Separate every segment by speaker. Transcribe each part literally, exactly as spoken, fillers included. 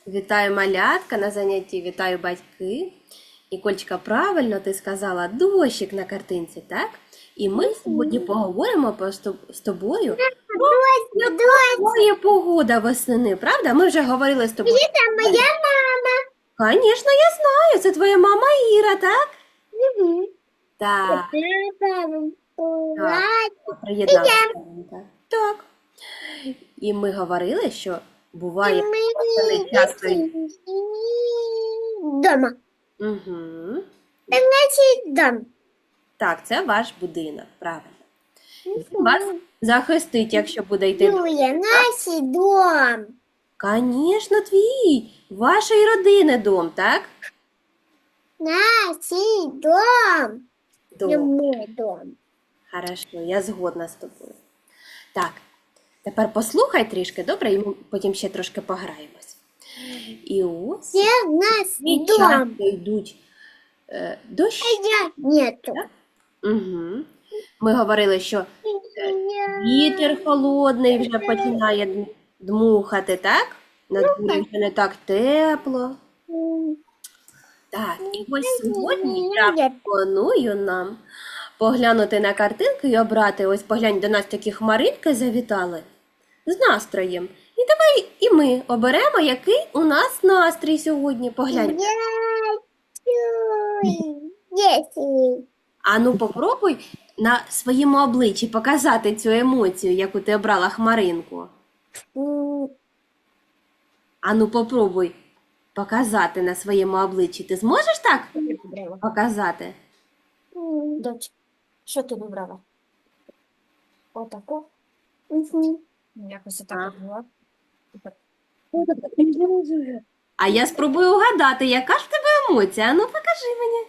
Speaker 1: Вітаю малятка на занятті, вітаю батьки. Нікольчка, правильно ти сказала, дощик на картинці, так? І ми сьогодні поговоримо про з тоб- з тобою про якою погода восени, правда? Ми вже говорили з тобою.
Speaker 2: Это моя мама.
Speaker 1: Звісно, я знаю, це твоя мама Іра, так?
Speaker 2: Угу.
Speaker 1: Так,
Speaker 2: Папа,
Speaker 1: так, приєдналася. Так. І ми говорили, що буває восени часто.
Speaker 2: дома.
Speaker 1: Угу.
Speaker 2: Так значит дом.
Speaker 1: Так, це ваш будинок, правильно. Він вас захистить, якщо буде йти.
Speaker 2: Юля, наш дом.
Speaker 1: Звісно, твій, вашої родини дом, так?
Speaker 2: Наш дом. Не
Speaker 1: Дом.
Speaker 2: мой дом.
Speaker 1: Хорошо, я згодна з тобою. Так, тепер послухай трішки, добре, і ми потім ще трошки пограємось. І ось
Speaker 2: Где наш
Speaker 1: і
Speaker 2: дом?
Speaker 1: часто йдуть е, дощ.
Speaker 2: Я нету.
Speaker 1: Угу. Ми говорили, що вітер холодний вже починає д- дмухати, так? На дворі вже не так тепло. Так, і ось сьогодні я пропоную нам поглянути на картинки і обрати, ось поглянь, до нас такі хмаринки завітали з настроєм. І давай і ми оберемо, який у нас настрій сьогодні. Поглянь.
Speaker 2: Десять.
Speaker 1: А ну попробуй на своєму обличчі показати цю емоцію, яку ти обрала хмаринку. А ну попробуй показати на своєму обличчі. Ти зможеш так показати?
Speaker 3: Доць, що ти вибрала? Отаку? Якось
Speaker 1: А.
Speaker 3: отак була.
Speaker 1: А я спробую угадати, яка ж в тебе емоція. А ну покажи мені.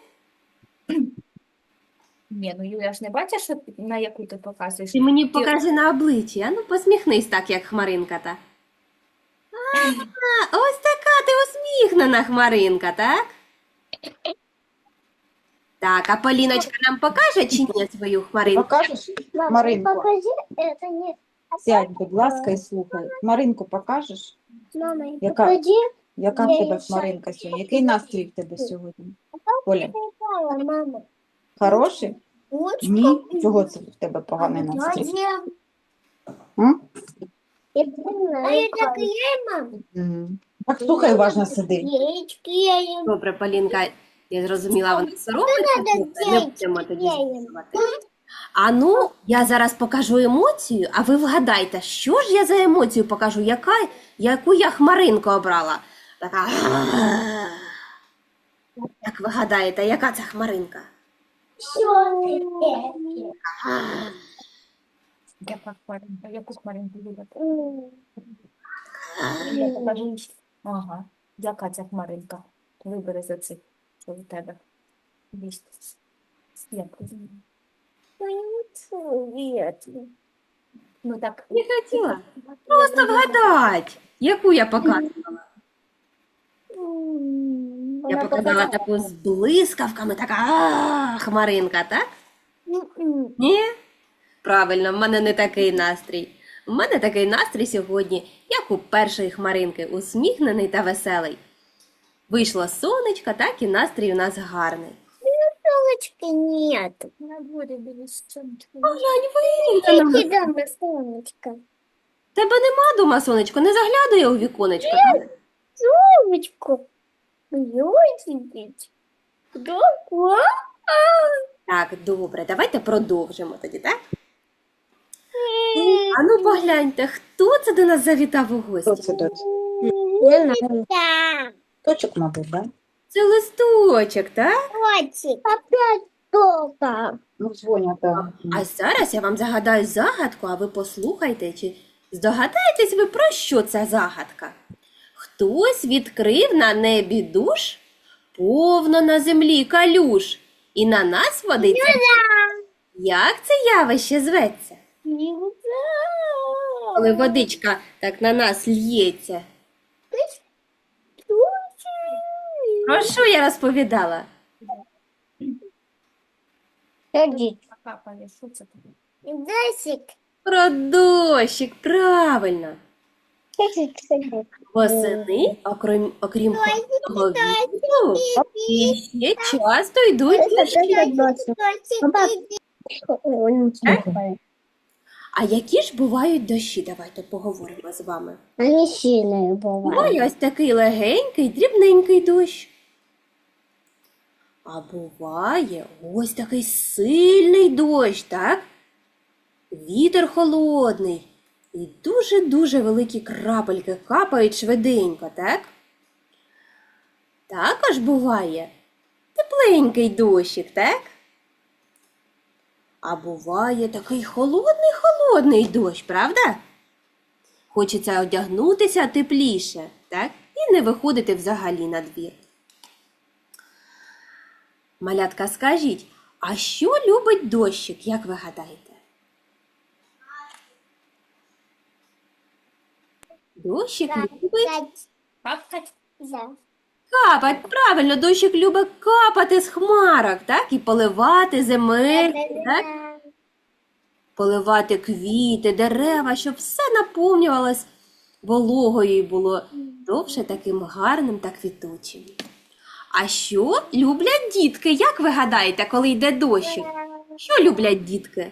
Speaker 3: Ні, ну Юля ж не бачиш, що ти- на яку ти показуєш.
Speaker 1: Ти мені покажи на обличчі. А ну посміхнись так, як хмаринка та. А, ось така ти усміхнена хмаринка, так? Так, а Поліночка нам покаже чи ні свою хмаринку?
Speaker 4: Покажеш Маринку?
Speaker 2: Покажи, это не...
Speaker 4: Сядь, будь ласка, і слухай. Маринку покажеш?
Speaker 2: Мама,
Speaker 4: Яка?
Speaker 2: покажи.
Speaker 4: Яка в
Speaker 2: Я
Speaker 4: тебе
Speaker 2: їй
Speaker 4: Маринка сьогодні? Який настрій в тебе сьогодні? Оля,
Speaker 2: Какая, мама?
Speaker 4: хороший?
Speaker 2: Ручка.
Speaker 4: Ні? Чого це в тебе поганий настрій?
Speaker 2: Где?
Speaker 4: М?
Speaker 2: А это клей, мама?
Speaker 4: М. Так слухай, уважно сиди.
Speaker 2: Есть клеем.
Speaker 1: Добре, Полінка, я зрозуміла, вона соромиться,
Speaker 2: надо
Speaker 1: слухай, не
Speaker 2: взяти
Speaker 1: будемо тоді
Speaker 2: клеєм.
Speaker 1: з'ясувати. А ну, я зараз покажу емоцію, а ви вгадайте, що ж я за емоцію покажу, яка, яку я хмаринку обрала. Така. Як ви гадаєте, яка це хмаринка?
Speaker 3: Яка хмаринка? Яку хмаринку вибрати? Я покажу. Ага. Яка ця хмаринка? Вибери за цих, що у тебе. Десь. Як? Ну так.
Speaker 1: Не хотіла. Просто вгадать, яку я показувала. Я показала таку з блискавками, така а, хмаринка, так? Ні? Правильно, в мене не такий настрій. У мене такий настрій сьогодні, як у першої хмаринки, усміхнений та веселий. Вийшло сонечко, так і настрій у нас гарний.
Speaker 2: Солнышка нет.
Speaker 3: На дворі біля сонечка.
Speaker 1: Поглянь, вийди.
Speaker 2: Иди дома, солнышко.
Speaker 1: Тебе нема дома, сонечко, не заглядує у віконечко.
Speaker 2: Солнышко. Ёсипить. Да?
Speaker 1: Так, добре, давайте продовжимо тоді, так? А ну погляньте, хто це до нас завітав у
Speaker 4: Хто
Speaker 1: гості?
Speaker 4: це доць?
Speaker 2: Да.
Speaker 4: Точок, мабуть, да?
Speaker 1: Це листочок, так?
Speaker 2: Котик. Опять только.
Speaker 4: Ну, дзвонять, так.
Speaker 1: А зараз я вам загадаю загадку, а ви послухайте, чи здогадаєтесь ви, про що ця загадка? Хтось відкрив на небі душ, повно на землі калюш, і на нас водиться. Як це явище зветься? Коли водичка так на нас л'ється. Про що я розповідала?
Speaker 2: Ходи.
Speaker 3: Капає, що це таке?
Speaker 2: Дасик.
Speaker 1: Про дощик, правильно. Восени, окрім, окрім холодного вітру, і ще часто йдуть дощі. А які ж бувають дощі? Давайте поговоримо з вами.
Speaker 2: Они сильные бывают.
Speaker 1: Буває ось такий легенький, дрібненький дощ. А буває ось такий сильний дощ, так? Вітер холодний. І дуже-дуже великі крапельки капають швиденько, так? Також буває тепленький дощик, так? А буває такий холодний-холодний дощ, правда? Хочеться одягнутися тепліше, так? І не виходити взагалі на двір. Малятка, скажіть, а що любить дощик, як ви гадаєте? Дощик любить
Speaker 3: Капкать.
Speaker 1: капати. Правильно, дощик любить капати з хмарок, так? І поливати земельки, так? Поливати квіти, дерева, щоб все наповнювалось вологою і було довше таким гарним та квітучим. А що люблять дітки? Як ви гадаєте, коли йде дощик? Що люблять дітки?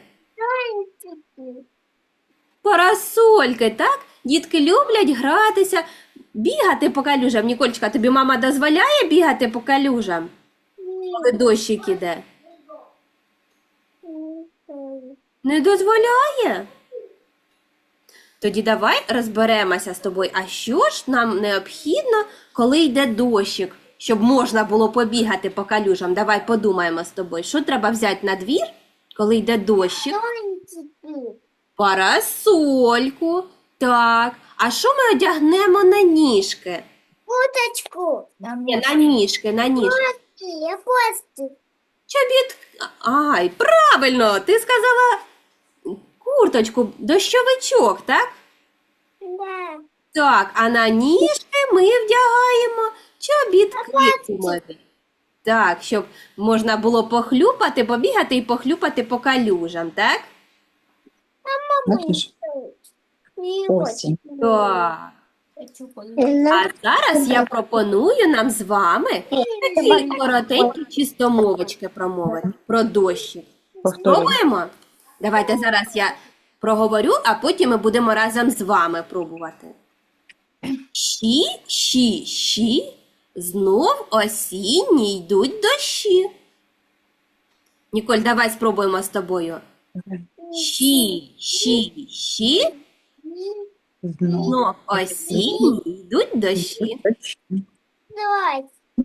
Speaker 1: Парасольки, так? Дітки люблять гратися, бігати по калюжам. Нікольчка, тобі мама дозволяє бігати по калюжам, коли дощик іде? Не дозволяє? Тоді давай розберемося з тобою, а що ж нам необхідно, коли йде дощик, щоб можна було побігати по калюжам? Давай подумаємо з тобою, що треба взяти на двір, коли йде дощик? Парасольку, так. А що ми одягнемо на ніжки?
Speaker 2: Уточку.
Speaker 1: Ні, на ніжки, на ніжки.
Speaker 2: Я просто.
Speaker 1: Чобіт... Ай, правильно, ти сказала курточку, дощовичок, так?
Speaker 2: Да.
Speaker 1: Так, а на ніжки ми вдягаємо чобітки гумові. Так, щоб можна було похлюпати, побігати і похлюпати по калюжам, так?
Speaker 4: Бачиш, осінь.
Speaker 1: Так.
Speaker 3: Хочу
Speaker 1: А зараз я пропоную нам з вами такі коротенькі чистомовочки промовити про дощик.
Speaker 4: Повторюй.
Speaker 1: Спробуємо? Давайте зараз я проговорю, а потім ми будемо разом з вами пробувати. Щі, щі, щі, знов осінні йдуть дощі. Ніколь, давай спробуємо з тобою. Щі, щі, щі,
Speaker 4: Знов.
Speaker 1: знов осінні йдуть дощі.
Speaker 2: Давай.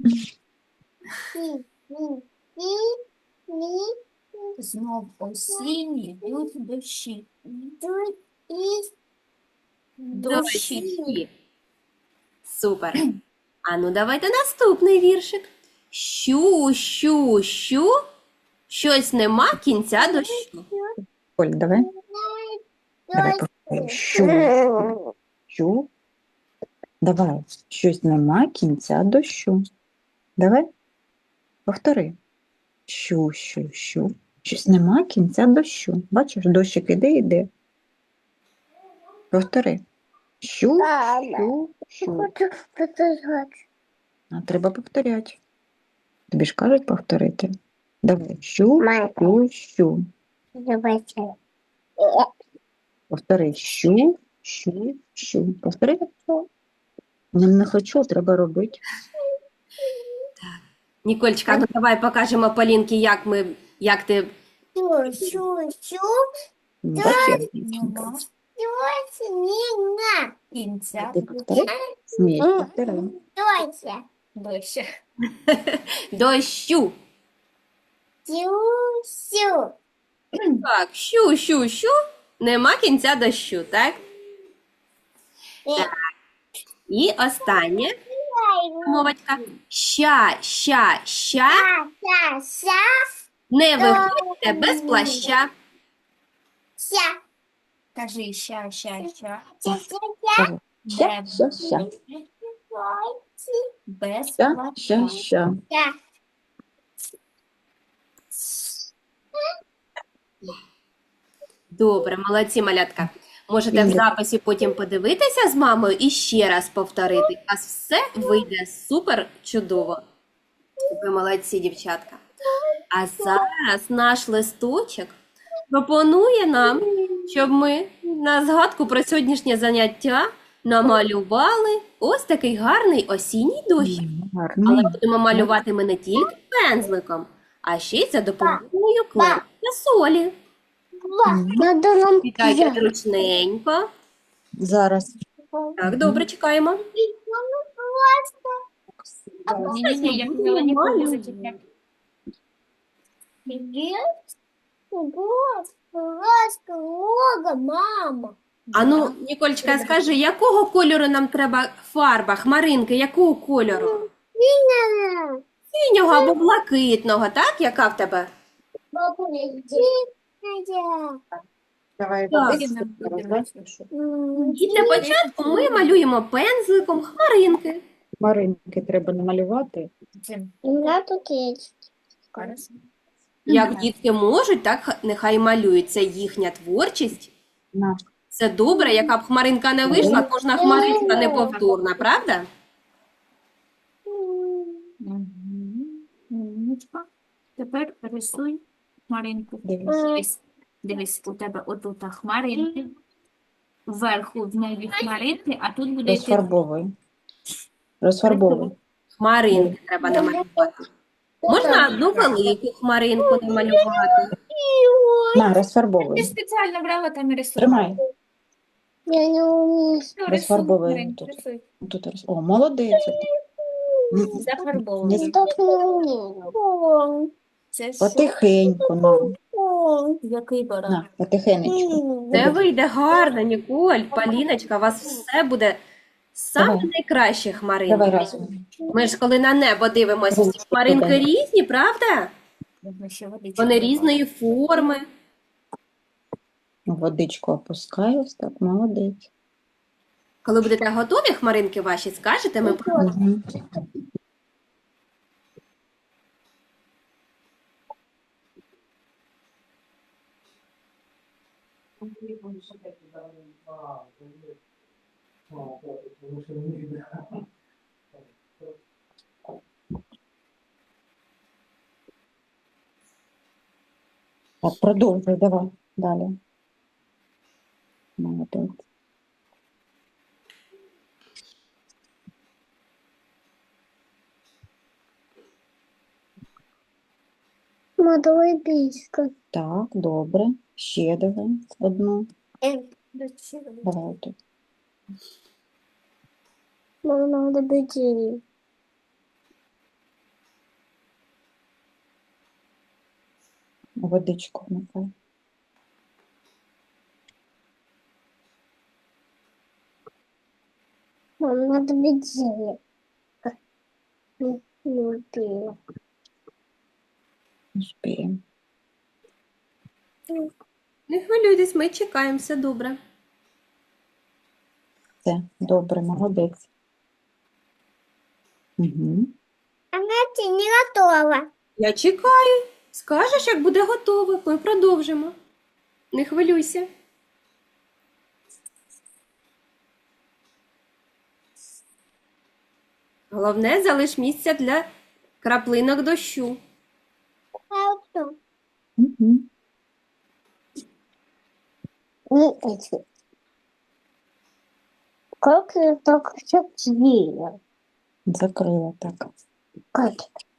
Speaker 2: Ми, ми, ми, ми,
Speaker 3: знов осінні йдуть дощі.
Speaker 2: тут і
Speaker 3: Дощі.
Speaker 1: Дощі. Супер. А ну давайте наступний віршик. Щу, щу, щу, щось нема кінця дощу.
Speaker 4: Оль, давай. Давай повторюй. Щу, щу. Давай. Щось нема кінця дощу. Давай. Повтори. Щу, щу, щу. Щось нема кінця дощу. Бачиш, дощик іде, іде. Повтори. Щу, щу, щу.
Speaker 2: хочу показати.
Speaker 4: А треба повторяти. Тобі ж кажуть повторити. Давай. Щу, щу, щу.
Speaker 2: Давайте.
Speaker 4: Повтори. Щу, щу, щу. Повтори. Не, не хочу, треба робити.
Speaker 1: Нікольчка, ну давай покажемо Полінки, як ми, як ти.
Speaker 2: Щу, щу, щу.
Speaker 4: Бачиш,
Speaker 3: Нема
Speaker 2: Давайте меня.
Speaker 3: кінця
Speaker 4: ти повтори? Смієш, повтори.
Speaker 2: Давайте.
Speaker 3: дощі.
Speaker 1: Дощу.
Speaker 2: Щу, щу.
Speaker 1: Так, щу, щу, щу, нема кінця дощу, так? І останнє мовочка. Ща, ща, ща,
Speaker 2: Ша, ша,
Speaker 1: не виходьте без плаща.
Speaker 2: ша.
Speaker 3: Кажи ща, ща, ща.
Speaker 2: Ша, ша,
Speaker 4: Ща, ща, ща.
Speaker 3: Без
Speaker 4: Ща,
Speaker 3: плаща.
Speaker 4: ща, ща.
Speaker 2: ша.
Speaker 1: Добре, молодці, малятка. Можете в
Speaker 4: Ігор.
Speaker 1: записі потім подивитися з мамою і ще раз повторити. У вас все вийде супер чудово. Ви молодці, дівчатка. А зараз наш листочок пропонує нам, щоб ми на згадку про сьогоднішнє заняття намалювали ось такий гарний осінній дощик. Але
Speaker 4: Гарний.
Speaker 1: будемо малювати ми не тільки пензликом, а ще й за допомогою клею та солі.
Speaker 2: Надо нам
Speaker 1: Вітайте
Speaker 2: взять.
Speaker 1: ручненько.
Speaker 4: Зараз.
Speaker 1: Так, добре, чекаємо.
Speaker 3: Ні-ні-ні, я хотіла нікого не зачіпляти.
Speaker 2: Вот, ласка, лога, мама.
Speaker 1: А ну, Ніколечка, скажи, якого кольору нам треба фарба, хмаринки, якого кольору? Синього або блакитного, так? Яка в тебе?
Speaker 2: Бабуля, иди. Надя.
Speaker 4: Давай
Speaker 1: Так.
Speaker 4: водичку зараз, да?
Speaker 2: М,
Speaker 1: І для початку ми малюємо пензликом хмаринки.
Speaker 4: Хмаринки треба намалювати.
Speaker 3: Цим.
Speaker 2: У меня тут есть.
Speaker 3: Хорошо.
Speaker 1: Як дітки можуть, так х- нехай малюють. Це їхня творчість.
Speaker 4: На.
Speaker 1: Це добре, яка б хмаринка не вийшла, кожна хмаринка неповторна, правда?
Speaker 3: Мгм. Умничка. Тепер рисуй хмаринку.
Speaker 4: Дивись.
Speaker 3: Дивись, дивись, у тебе отут хмаринки. Вверху в небі хмаринки, а тут буде йти
Speaker 4: Розфарбовуй. Розфарбовуй.
Speaker 1: Хмаринки треба намалювати. Можна одну велику хмаринку намалювати.
Speaker 4: На,
Speaker 3: Ти
Speaker 4: розфарбовуй.
Speaker 3: спеціально брала там і рисувала.
Speaker 4: Тримай.
Speaker 2: Я не умею.
Speaker 3: Ну, рисуй,
Speaker 4: Розфарбовуй
Speaker 3: Маринка,
Speaker 4: тут.
Speaker 3: рисуй.
Speaker 4: Тут роз... О, молодець. М,
Speaker 3: Зафарбовуй.
Speaker 4: Не
Speaker 2: Так не умею.
Speaker 3: Це що?
Speaker 4: Потихеньку, на.
Speaker 3: Який баран?
Speaker 4: На, потихенечку.
Speaker 1: Це вийде гарно, Ніколь, Поліночка, у вас все буде саме
Speaker 4: Давай.
Speaker 1: найкраще
Speaker 4: Давай
Speaker 1: хмаринки.
Speaker 4: разом.
Speaker 1: Ми ж коли на небо дивимося, всі хмаринки різні, правда?
Speaker 3: Можна ще водичку
Speaker 1: Вони
Speaker 3: додати.
Speaker 1: різної форми.
Speaker 4: Водичку опускаю, ось так, молодець.
Speaker 1: Коли будете готові хмаринки ваші, скажете, ми про-
Speaker 4: Мгм. Так, продовжуй, давай, далі. Молодець.
Speaker 2: Молодой писька.
Speaker 4: Так, добре. Ще давай одну.
Speaker 3: Да, ще водичку.
Speaker 4: Давай тут.
Speaker 2: Мама, надо быстрее.
Speaker 4: Водичку вмикай.
Speaker 2: Мам, надо быстрее. Не не успею.
Speaker 4: Успіємо.
Speaker 1: не хвилюйтесь, ми чекаємо, все добре.
Speaker 4: Все, добре, молодець. Угу.
Speaker 2: Она не готова.
Speaker 1: Я чекаю. Скажеш, як буде готово, ми продовжимо. Не хвилюйся. Головне, залиш місця для краплинок дощу.
Speaker 2: Хорошо.
Speaker 4: Угу.
Speaker 2: Не эти. Как я так закрыла?
Speaker 4: Закрила так.
Speaker 2: Как?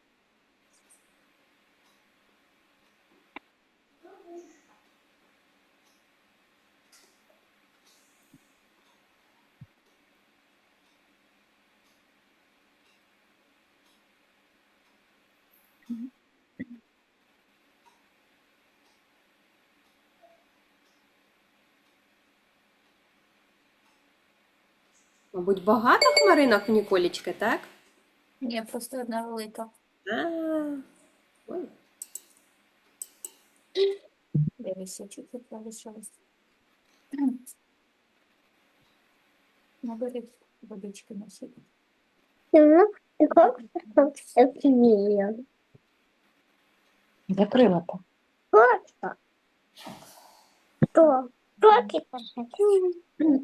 Speaker 1: Мабуть, багато хмаринок в Ніколічки, так?
Speaker 3: Ні, просто одна велика.
Speaker 1: А, ой.
Speaker 3: Дивися, чуть-чуть залишилось. Набери водички на себе.
Speaker 2: Ну, и как я так закрыла?
Speaker 4: Закрила так.
Speaker 2: Просто. Что? Кроки пошли.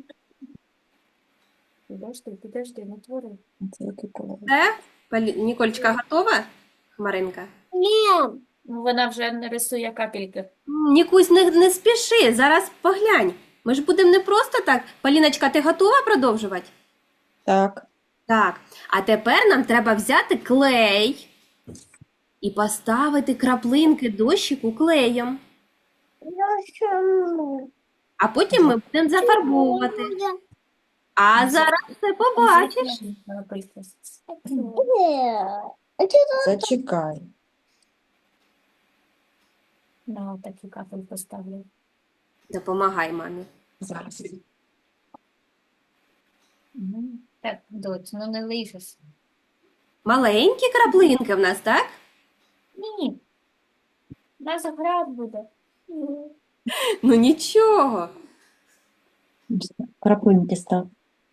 Speaker 3: Підожди, підожди, не твори.
Speaker 4: Це який колір?
Speaker 1: Все? Полі... Нікольчка готова? Хмаринка?
Speaker 2: Нет.
Speaker 3: Ну, вона вже не рисує капельки.
Speaker 1: М, Нікусь, не, не спіши, зараз поглянь. Ми ж будемо не просто так. Поліночка, ти готова продовжувати?
Speaker 4: Так.
Speaker 1: Так. А тепер нам треба взяти клей і поставити краплинки дощику клеєм.
Speaker 2: Я сама.
Speaker 1: А потім ми будемо зафарбовувати. А зараз ти побачиш.
Speaker 3: Капельки.
Speaker 2: Нет. А что
Speaker 4: Зачекай.
Speaker 3: На такі капель поставлю.
Speaker 1: Допомагай мамі.
Speaker 4: Зараз.
Speaker 3: Мгм. Так, доць, ну не лишиш.
Speaker 1: Маленькі краплинки в нас, так?
Speaker 3: Ні. У нас град буде.
Speaker 1: Ну нічого.
Speaker 4: Краплинки став.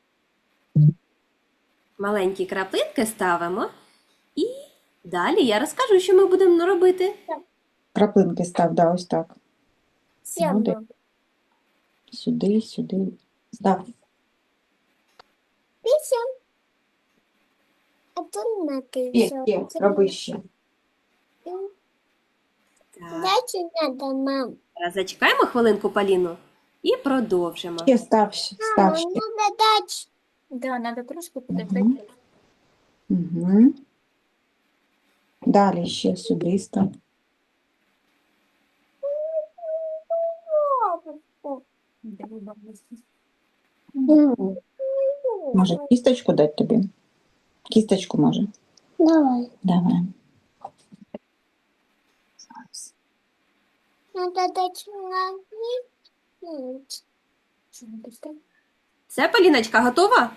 Speaker 1: Маленькі краплинки ставимо. І далі я розкажу, що ми будемо робити.
Speaker 4: Краплинки став, да, ось так. Молодець.
Speaker 2: Сяду.
Speaker 4: Сюди, сюди. Став.
Speaker 2: Пися. А то на ты
Speaker 4: Є, є, роби ще.
Speaker 1: Так,
Speaker 2: Дайте надо, мам.
Speaker 1: зараз зачекаємо хвилинку Поліну і продовжимо.
Speaker 4: Ще став, став
Speaker 2: Мама,
Speaker 4: ще.
Speaker 2: надо дать.
Speaker 3: Да, треба трошки
Speaker 4: Мгм.
Speaker 3: подивитися.
Speaker 4: Угу. Далі ще сюди став.
Speaker 3: Диви, бабуся.
Speaker 4: Може, кісточку дати тобі? Кісточку може.
Speaker 2: Давай.
Speaker 4: Давай. Зараз.
Speaker 2: Надо дать мне.
Speaker 3: Що не пусте?
Speaker 1: Все, Поліночка, готова?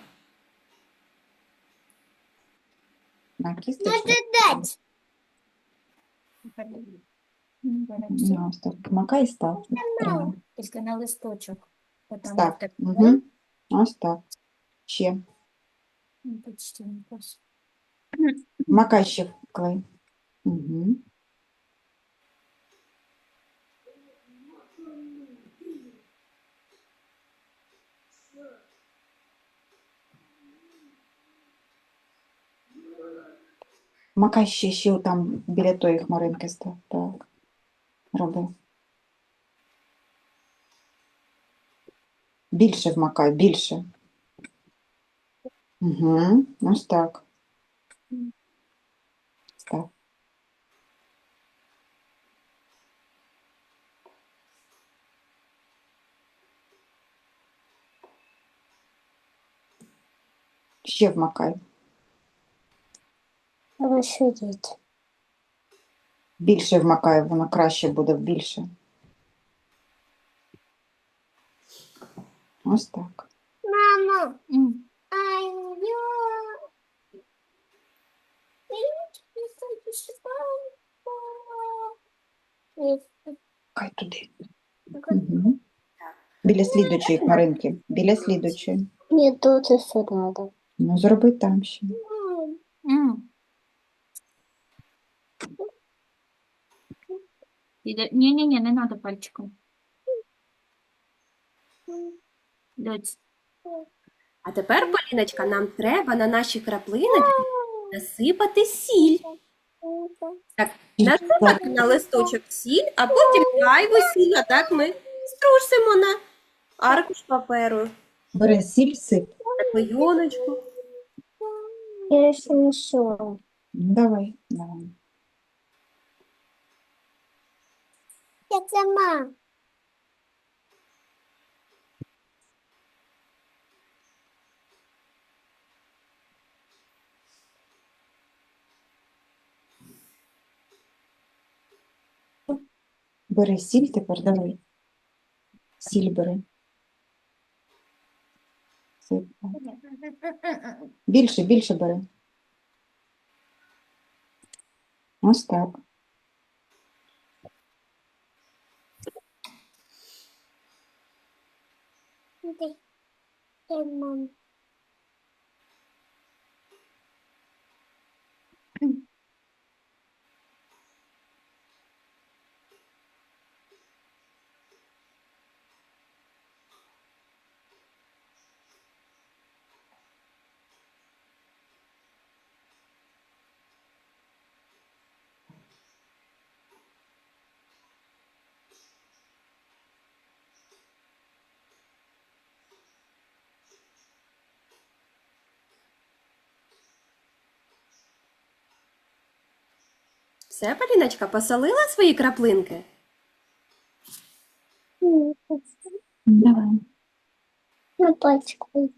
Speaker 4: На кісточку.
Speaker 2: Надо дать.
Speaker 3: Беремо.
Speaker 4: Ну, ось так. Макай і став. Тримай.
Speaker 3: Тільки на листочок. Отам
Speaker 4: Став.
Speaker 3: так.
Speaker 4: Угу. Ось так. Ще.
Speaker 3: Ну, почти не пос-
Speaker 4: Макай ще в клей. Угу. Макай ще, ще там біля тої хмаринки став. Так. Роби. Більше вмакай, більше. Угу. Ось так. Став. Ще вмакай.
Speaker 2: Расширить.
Speaker 4: Більше вмакай, воно краще буде більше. Ось так.
Speaker 2: Мама,
Speaker 3: М.
Speaker 2: а я...
Speaker 4: Хай туди. Угу. Біля слідучої хмаринки. Біля слідучої.
Speaker 2: Мне тут еще надо.
Speaker 4: Ну, зроби там ще.
Speaker 3: М. Іде- Ні-ні-ні, не треба пальчиком. Доць.
Speaker 1: А тепер, Поліночка, нам треба на наші краплиночки насипати сіль. Так, насипати на листочок сіль, а потім зайву сіль, а так ми струсимо на аркуш паперу,
Speaker 4: Бери сіль, сип.
Speaker 1: на клейоночку.
Speaker 2: Я еще не все.
Speaker 4: Ну, давай, давай.
Speaker 2: Я сама.
Speaker 4: Бери сіль тепер, давай. Сіль бери. Сип. Більше, більше бери. Ось так.
Speaker 2: Дай. Дай, мам.
Speaker 1: Все, Поліночка, посолила свої краплинки?
Speaker 4: Давай.
Speaker 2: На пачку.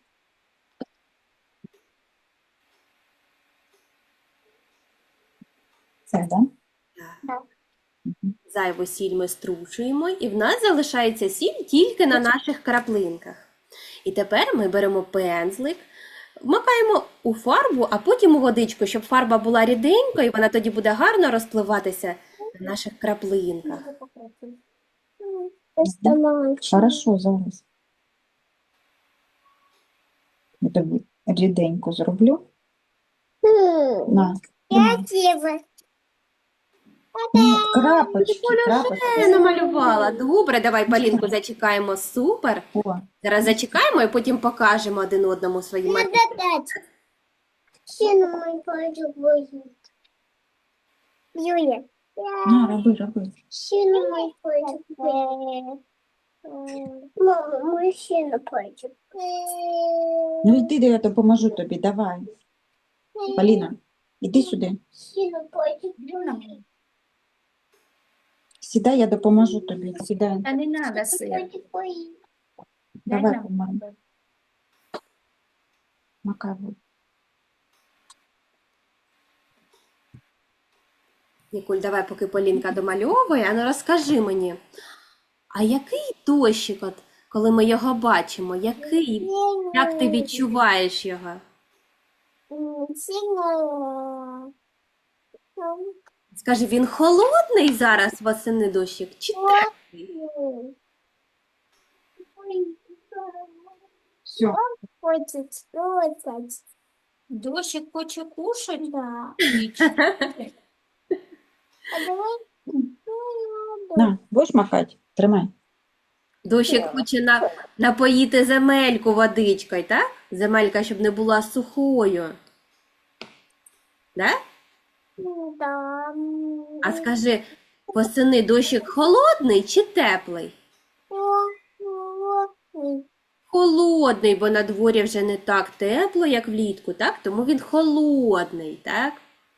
Speaker 3: Це, да?
Speaker 1: Так. Зайву сіль ми струшуємо, і в нас залишається сіль тільки на наших краплинках. І тепер ми беремо пензлик, вмикаємо у фарбу, а потім у водичку, щоб фарба була ріденькою, і вона тоді буде гарно розпливатися на наших краплинках.
Speaker 4: Хорошо, зараз. Я тобі ріденько зроблю. На.
Speaker 2: Красиво.
Speaker 4: Ні, крапочки,
Speaker 1: Оля
Speaker 4: крапочки.
Speaker 1: вже намалювала. Добре, давай Полінку зачекаємо. Супер.
Speaker 4: О,
Speaker 1: Зараз зачекаємо і потім покажемо один одному свої
Speaker 2: Надо
Speaker 1: малюнки.
Speaker 2: дать. Сильно мой пальчик будет. Юля.
Speaker 4: на, роби, роби.
Speaker 2: Сильно мой пальчик будет. Мама, мой сильно пальчик.
Speaker 4: Ну йди, де я допоможу тобі, давай. Поліна, іди сюди.
Speaker 2: Сильно пальчик будет.
Speaker 4: Сідай, я допоможу тобі. Сідай.
Speaker 3: Та не треба сир.
Speaker 2: Пальчик будет.
Speaker 4: Давай,
Speaker 3: нам.
Speaker 4: помагай. Макай.
Speaker 1: Нікуль, давай, поки Полінка домальовує, а ну розкажи мені, а який дощик, от, коли ми його бачимо, який, як ти відчуваєш його?
Speaker 2: Сильно.
Speaker 1: Скажи, він холодний зараз восени дощик, чи теплий?
Speaker 4: Все.
Speaker 2: Хочет слушать.
Speaker 3: Дощик хоче кушать?
Speaker 2: Да.
Speaker 3: Нічого.
Speaker 2: А давай.
Speaker 4: На, будеш макати? Тримай.
Speaker 1: Дощик хоче на, напоїти земельку водичкою, так? Земелька, щоб не була сухою. Да?
Speaker 2: Да.
Speaker 1: А скажи, восени дощик холодний чи теплий? Холодний, бо на дворі вже не так тепло, як влітку, так? Тому він холодний, так?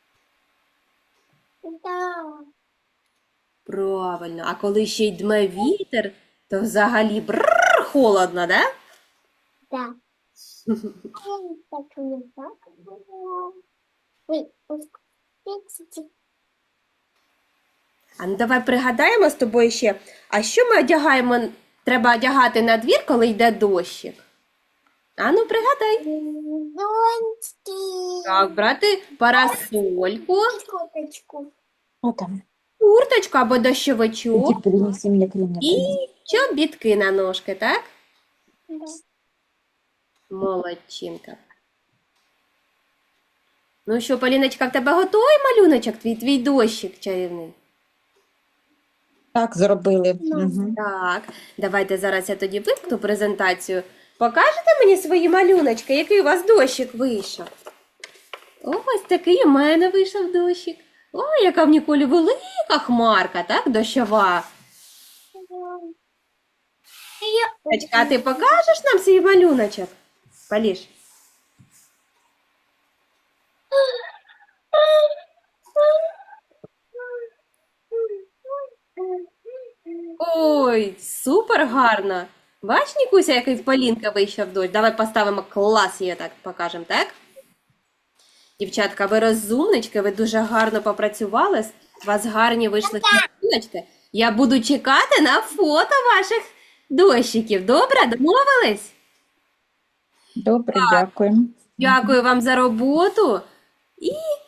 Speaker 2: Да.
Speaker 1: Правильно. А коли ще й дме вітер, то взагалі бррр, холодно, да?
Speaker 2: Да. Так не так. Ой, ой.
Speaker 1: А ну давай пригадаємо з тобою ще, а що ми одягаємо, треба одягати на двір, коли йде дощик? А ну пригадай.
Speaker 2: Зонтик.
Speaker 1: Так, брати парасольку,
Speaker 2: Курточку.
Speaker 4: О, там.
Speaker 1: курточку або дощовичок
Speaker 4: Иди принеси мне крем.
Speaker 1: і чобітки на ножки, так?
Speaker 2: Да.
Speaker 1: Молодчинка. Ну що, Поліночка, в тебе готовий малюночок, твій, твій дощик чарівний?
Speaker 4: Так зробили.
Speaker 2: Ну.
Speaker 4: Угу.
Speaker 1: Так, давайте зараз я тоді вимкну презентацію. Покажете мені свої малюночки, який у вас дощик вийшов? Ось такий у мене вийшов дощик. Ой, яка в Ніколі велика хмарка, так, дощова. Дочка, а ти покажеш нам свій малюночок? Поліж. Ой, супер гарно. Бач, Нікуся, який в Полінка вийшов дощ. Давай поставимо клас її так покажемо, так? Дівчатка, ви розумнички, ви дуже гарно попрацювали. У вас гарні вийшли малюночки. Я буду чекати на фото ваших дощиків. Добре, домовились?
Speaker 4: Добре, дякую.
Speaker 1: Дякую вам за роботу. І